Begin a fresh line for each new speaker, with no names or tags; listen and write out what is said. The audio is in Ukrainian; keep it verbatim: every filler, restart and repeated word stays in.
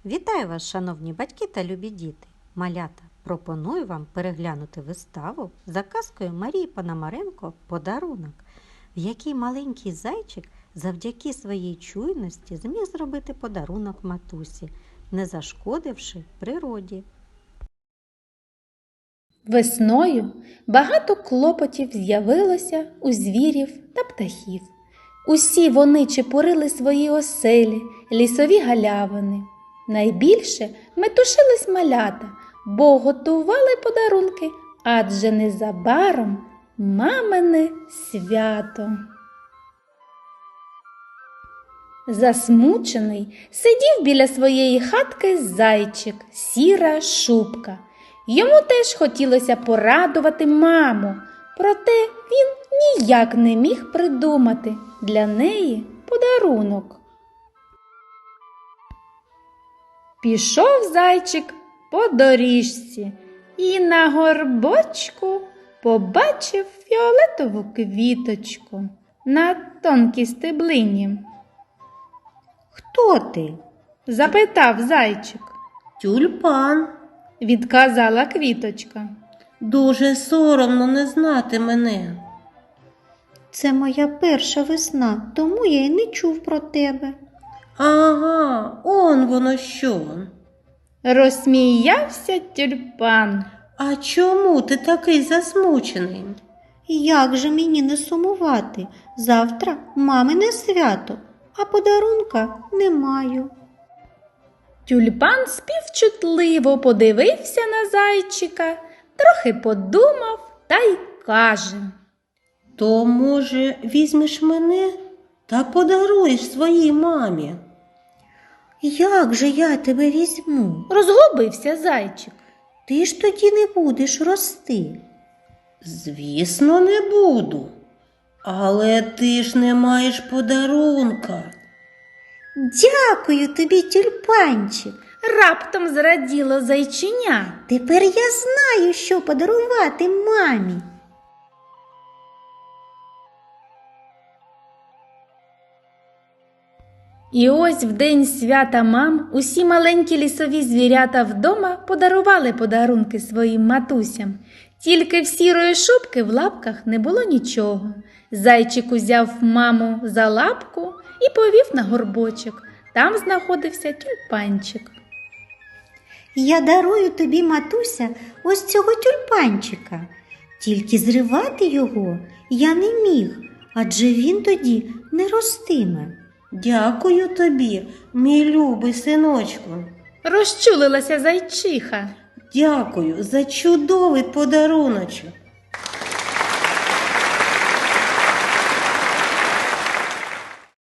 Вітаю вас, шановні батьки та любі діти! Малята, пропоную вам переглянути виставу за казкою Марії Пономаренко «Подарунок», в якій маленький зайчик завдяки своїй чуйності зміг зробити подарунок матусі, не зашкодивши природі.
Весною багато клопотів з'явилося у звірів та птахів. Усі вони чепурили свої оселі, лісові галявини. Найбільше метушились малята, бо готували подарунки, адже незабаром мамине свято. Засмучений сидів біля своєї хатки зайчик, сіра шубка. Йому теж хотілося порадувати маму, проте він ніяк не міг придумати для неї подарунок. Пішов зайчик по доріжці і на горбочку побачив фіолетову квіточку на тонкій стеблині.
«Хто ти?»
– запитав зайчик.
«Тюльпан»,
– відказала квіточка.
«Дуже соромно не знати мене».
«Це моя перша весна, тому я й не чув про тебе».
«Ага, он воно що».
Розсміявся тюльпан.
«А чому ти такий засмучений?»
«Як же мені не сумувати? Завтра мамине свято, а подарунка не маю».
Тюльпан співчутливо подивився на зайчика, трохи подумав та й каже:
«То, може, візьмеш мене та подаруєш своїй мамі?»
«Як же я тебе візьму?
Розгубився зайчик.
Ти ж тоді не будеш рости».
«Звісно, не буду. Але ти ж не маєш подарунка».
«Дякую тобі, тюльпанчик.
Раптом зраділо зайчиня.
Тепер я знаю, що подарувати мамі».
І ось в день свята мам усі маленькі лісові звірята вдома подарували подарунки своїм матусям. Тільки в сірої шубки в лапках не було нічого. Зайчик узяв маму за лапку і повів на горбочок. Там знаходився тюльпанчик.
«Я дарую тобі, матуся, ось цього тюльпанчика. Тільки зривати його я не міг, адже він тоді не ростиме».
«Дякую тобі, мій любий синочку.
Розчулилася зайчиха.
Дякую за чудовий подаруночок.